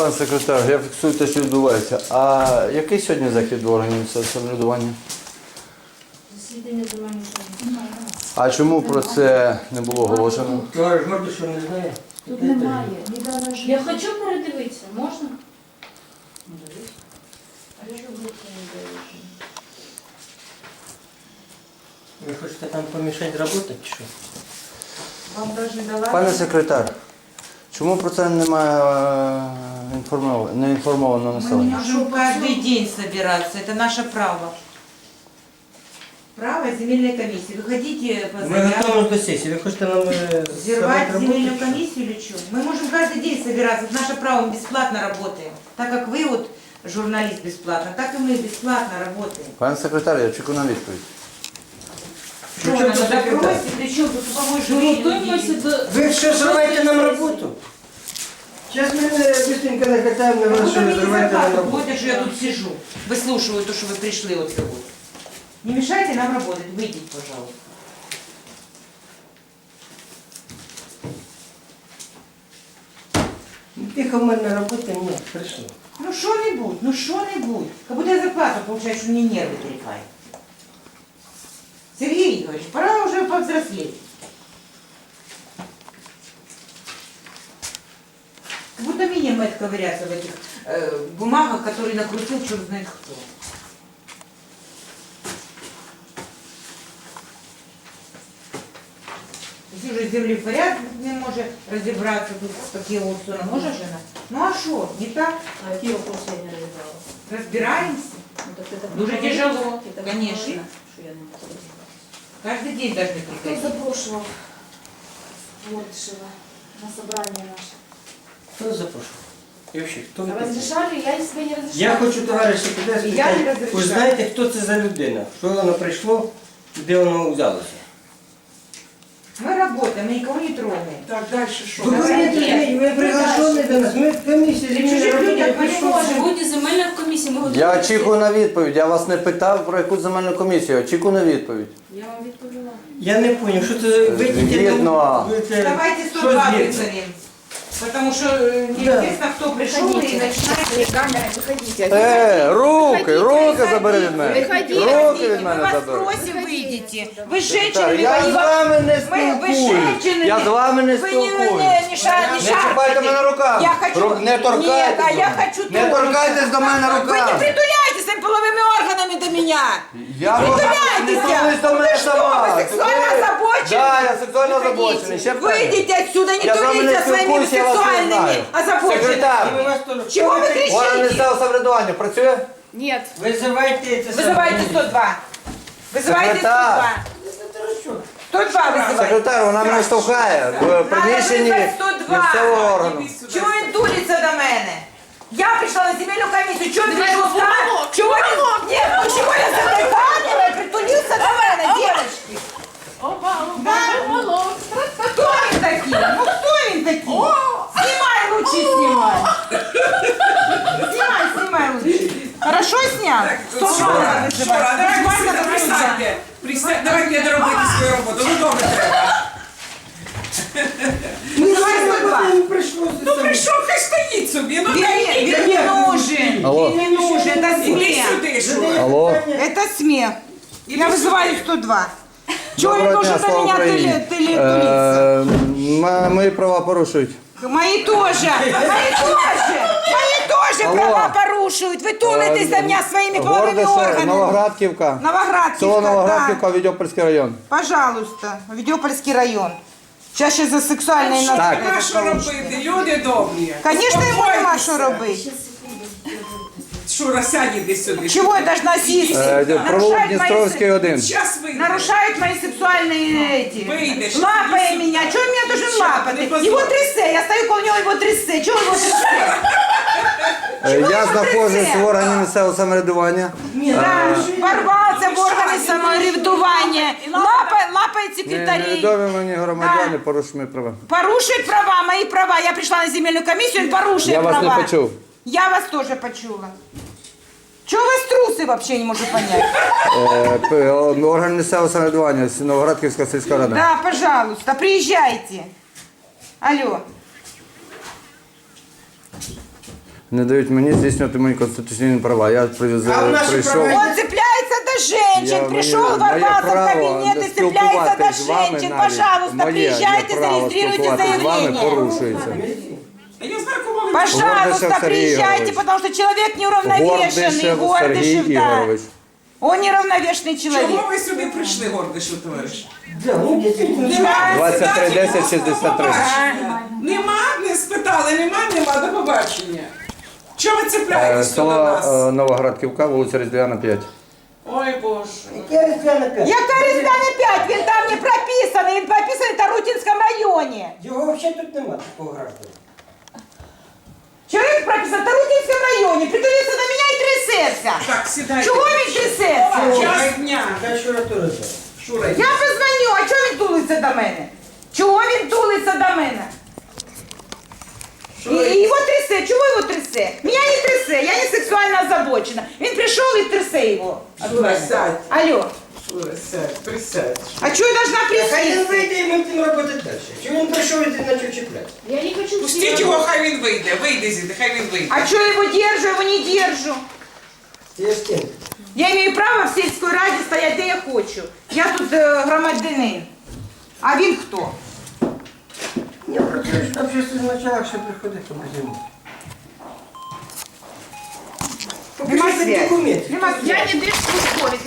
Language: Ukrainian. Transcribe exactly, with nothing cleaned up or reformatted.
Пан секретар, я фіксую те, що відбувається. А який сьогодні захід в органів самоврядування? Засідання земельної комісії. А чому про це не було оголошено? Товариш Гордишев не знає. Тут немає. Недавно ж- Я хочу передивитися, можна? А що ви це не даєте? Ви хочете там помішати роботи чи що? Вам навіть дала? Пане секретар, чому про це немає е, інформовано, не інформовано населення? Мы можем каждый день собираться, это наше право. Право земельной комиссии. Вы хотите по Ми готові до сесії. Ви хочете нам е, взорвать зробити земельную роботу? комиссию или что? Мы можем каждый день собираться, это наше право, мы бесплатно работаем. Так как вы вот журналист бесплатно, так и мы бесплатно работаем. Пане секретар, я чекаю на відповідь. Что Причем на тут секретарь? допросе, причем тут суповой жюри. Ви що зриваєте нам роботу? Зараз ми быстренько накатаємо на Как вас, будто що ви мне не зриваєте нам зарплату роботу. платят, что я тут сижу, выслушиваю то, что вы пришли вот сегодня. Не мешайте нам работать, выйдите, пожалуйста. Тихо в мене роботи, ні, прийшло. Ну что-нибудь, ну что-нибудь. Как будто я зарплату получаю, что мне нервы трепают. Сергей Игоревич, пора уже повзрослеть. Как будто мне мать ковыряться в этих э, бумагах, которые накрутил черт знает кто. Если уже земли в порядке не может разобраться, тут такие вот все может жена. Ну а что, не так? А які вопроси я не розглядала? Разбираемся. Ну, так це Дуже говорили, тяжело, це конечно. говорили, що я не розглядала. Каждый день должны Хто приходить. запрошував Гордишева на собрание наше? Хто запрошував? І взагалі, хто ви такі? Разрешали? Я себе не разрешала. Я хочу, товариш секретар, Я не спитати, розрішаю. ви знаєте, хто це за людина? Що воно прийшло, де воно взялося? Мы работаем, мы никого не трогаем. Так, дальше что? Ви говорите, ви приглашені до нас, ми комісія При чужих людях ми не прийшов. можемо. Сьогодні земельна комісія, ми готові. Я очікую на відповідь. Я вас не питав про яку земельну комісію. Очікую на відповідь. Я вам відповіла. Я не зрозумів, що це вийдіть. Згідно. Давайте сто два вызовем. Потому что э, неизвестно, кто пришел и начинает... камера, виходіть. Е, руки, руки забери від мене. Виходіть. Руки від Мы мене вас забери. просим, выйдите. Вы с Так, женщинами я з воевали. вами не Мы, вы с спілкуюсь. женщинами. Я з вами не Вы не, спілкуюсь. не, не, ша, не Не чіпайте мене руками. Я хочу... Ру- Не торкайтесь. Нет, а до я мене. хочу Не трогать. торкайтесь до мене Вы не руками. притуляйтесь своими половыми органами до меня. Я не Притуляйтесь. до мене Вы что, сама. вы сексуально Ви- озабочены? Да, я сексуально озабочений. Ще питання. Выйдите отсюда, не Я з вами не тулите своими спілкуюсь, я вас не сексуальными знаю. озабоченными. Секретар. Чего вы Орган кричите? місцевого самоврядування працює? Нет. Визивайте це Вызывайте сто два. Вызывайте сто два. сто два вызывайте. Секретар, вона мене штовхає в приміщенні визвати сто два. місцевого органу. Чего він дулиться до мене? Я пришла на земельную комиссию, чего ты пришел Чего не... Нет, ну чего я за этой камерой притулился до мене, девочки? Опа, опа, уголок. Кто він такий? Ну кто він такий? Снимай лучше, снимай. Снимай, снимай лучше. Хорошо снял? сто два Що, а давайте сюди присядьте. Присядьте, давайте доробити свою роботу. Ну добре треба. Давай сто два. Ну прийшов, хай стоїть собі. Ну Він, він не нужен. Алло. Він не нужен. Это іди смех. сюди, що. Алло. Это смех. Я вызываю сто два. Чего он Доброго дня, должен на слава меня Україні. тыли- тыли- тулиться? Е, м- Мої права порушують. Мои тоже. Мои тоже. Мои тоже Алло. права порушуют. Вы тулитесь до меня своими половыми Гордище, органами. Новоградківка. Новоградківка, Село да. Новоградківка, Відьопольський район. Пожалуйста. Ведёпольский район. Сейчас ще за сексуальные Що Так. нема що робити? Люди добрі. Конечно, ему нема Успокойтеся. что робить. Шура, сядь іди сюди. Чего я должна сесть? Е, Провулок Нарушают мои Дністровський один. Щас вийде. Нарушают мои сексуальные эти. Выйдешь. Лапая меня. Чего он меня должен Ничего, лапать? не позор. Его трясе. Я стою около него, его трясе. Чего его трясе? Е, Я його знаходжусь трясе? в органі місцевого самоврядування. Да, ворвался в органы самоврядування. Лапает, лапает секретарей. Невідомі мені громадяни Да. порушують мої права. Порушит права, мои права. Я пришла на земельную комиссию, он порушит Я вас права. не почув. Я вас тоже почула. Чего у вас трусы вообще, не могу понять? Е, п- Орган місцевого самоврядування, Новоградківська сільська рада. Да, пожалуйста, приезжайте. Алло. не дають мені здійснювати мої конституційні права. Я при- А в наші прийшов. права Он цепляется до женщин, Я- пришел, моє- моє ворвался в право кабинет и цепляется до спілкуватись з вами женщин. навіть, Пожалуйста, моє приезжайте, право зарегистрируйте спілкуватись з вами заявление. порушується. Та я знаркувала. Пожалуйста, Гордышев Сергей приезжайте, Егорович. потому что человек неуравновешенный, Гордышев Сергій Гордышев, да. Ігорович. Он неравновешенный человек. Чому ви сюди прийшли, Гордишев, товариш? Да, ну, дійсно. Нема, двадцять три сідайте, десять шістдесят три. до побачення. Нема, не спитали, нема, нема, до побачення. Чого ви Е, цепляєтесь до Село нас? е, Новоградківка, вулиця Різдвяна, п'ять. Ой, Боже. Я Різдвяна п'ять. Яка Різдвяна п'ять? Він там не прописаний, він прописаний в Тарутинському районі. Його взагалі тут нема такого гражданина. Чоловік прописаний в Тарутинському районі, притулився до мене і трясеться. Так, сідайте. Чого він трясеться? Час дня. Хай Шура теж знає. Шура, Я позвоню, а чого він тулиться до мене? Чого він тулиться до мене? І, і його трясе, чого його трясе? Мене не трясе, я не сексуально озабочена. Він прийшов і трясе його. от Шура, мене. сядь. Алло, Шура, сядь, присядь. а чого я должна Хай він присісти? вийде і ми будемо робити далі. Чому він прийшов і ти почав чіпляти? Я не хочу Пустіть його, хай він вийде. Вийде звідти, хай він вийде. А чого я його держу, я його не держу? Ти з ким? Я маю право в сільській раді стояти, де я хочу. Я тут е, громадянин. А він хто? Я працюю в общественних началах, що приходить по зиму. Нема Покажіть связи. документи. Нема связи. Я не держслужбовець.